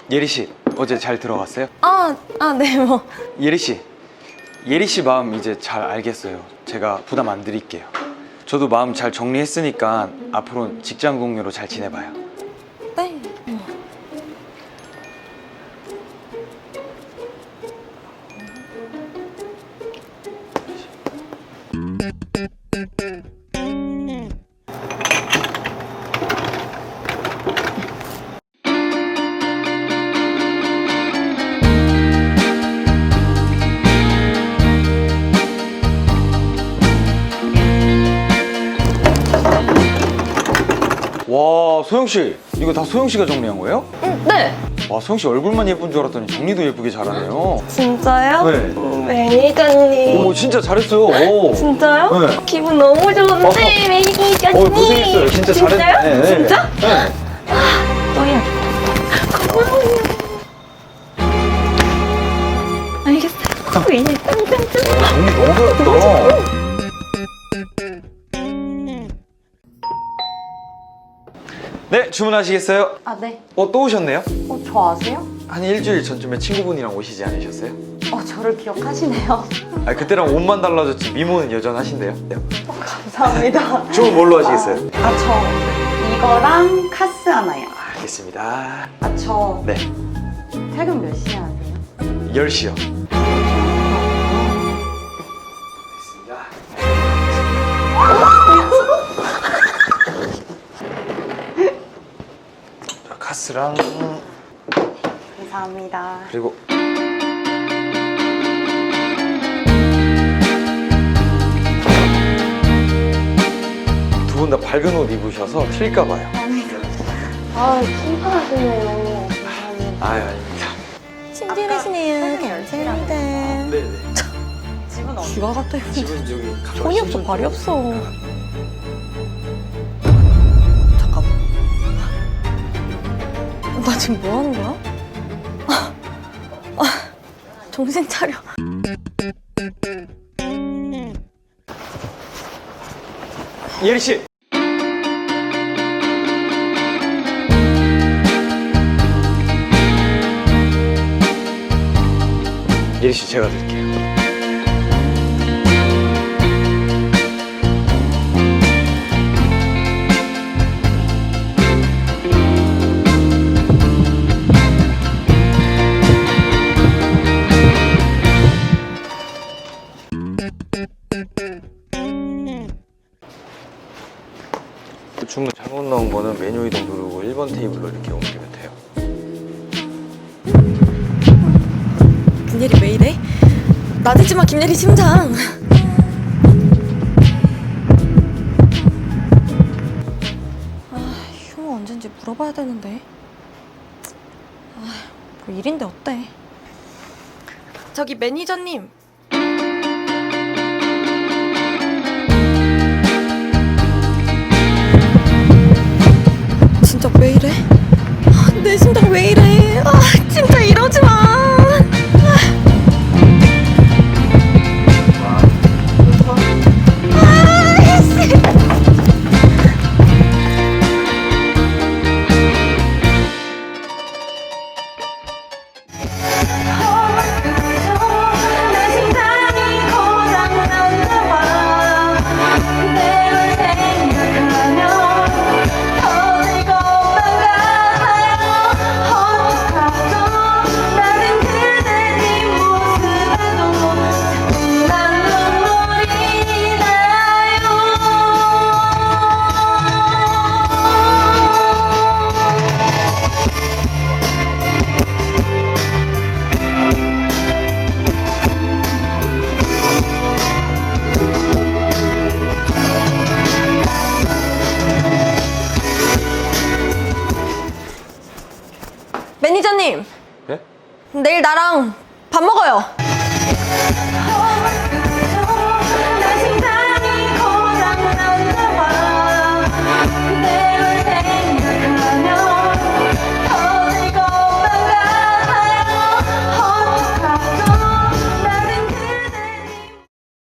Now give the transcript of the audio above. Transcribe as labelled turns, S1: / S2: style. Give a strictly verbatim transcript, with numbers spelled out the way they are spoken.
S1: 예리 씨, 어제 잘 들어갔어요?
S2: 아, 아, 네, 뭐.
S1: 예리 씨, 예리 씨 마음 이제 잘 알겠어요. 제가 부담 안 드릴게요. 저도 마음 잘 정리했으니까 앞으로는 직장 동료로 잘 지내봐요.
S2: 네. 뭐.
S1: 와, 소영 씨, 이거 다 소영 씨가 정리한 거예요?
S2: 음, 네.
S1: 와, 소영 씨 얼굴만 예쁜 줄 알았더니 정리도 예쁘게 잘하네요.
S2: 진짜요?
S1: 네.
S2: 음, 매니저님.
S1: 오, 진짜 잘했어요. 오.
S2: 진짜요?
S1: 네.
S2: 기분 너무 좋은데,
S1: 어.
S2: 매니저님.
S1: 어, 고생했어요. 진짜
S2: 진짜요?
S1: 잘했네. 네.
S2: 진짜?
S1: 네.
S2: 또야. 고마워요. 알겠어요. 왜 짱짱짱.
S1: 정리 너무 잘했다. 네, 주문하시겠어요?
S2: 아, 네.
S1: 어, 또 오셨네요?
S2: 어, 저 아세요?
S1: 한 일주일 전쯤에 친구분이랑 오시지 않으셨어요?
S2: 어, 저를 기억하시네요.
S1: 아, 그때랑 옷만 달라졌지 미모는 여전하신데요?
S2: 어, 감사합니다.
S1: 주문 뭘로 하시겠어요?
S2: 아, 저 이거랑 카스 하나요.
S1: 알겠습니다.
S2: 아, 저
S1: 네,
S2: 퇴근 몇 시에 하세요?
S1: 열 시요. 자, 카스랑
S2: 감사합니다.
S1: 그리고 두 분 다 밝은 옷 입으셔서 튈까 봐요.
S2: 아, 심플하시네요.
S1: 아유, 아닙니다.
S2: 친절하시네요. 감사합니다.
S1: 네네.
S2: 집은 어디? 쥐가 같아요.
S1: 집은 여기
S2: 돈이 없어, 발이 없어. 잠깐만. 나 지금 뭐 하는 거야? 아, 아, 정신 차려.
S1: 예리 씨. 예리 씨, 제가 드릴게요. 주문 잘못 나온 거는 메뉴 이동 누르고 일 번 테이블로 이렇게 옮기면 돼요.
S2: 김예리 왜 이래? 나대지 마, 김예리 심장. 아, 휴무 언젠지 물어봐야 되는데. 아, 뭐 일인데 어때? 저기 매니저님. 진짜 왜 이래? 아, 내 심장 왜 이래? 아, 진짜 이러지 마. 매니저님.
S1: 네?
S2: 내일 나랑 밥 먹어요.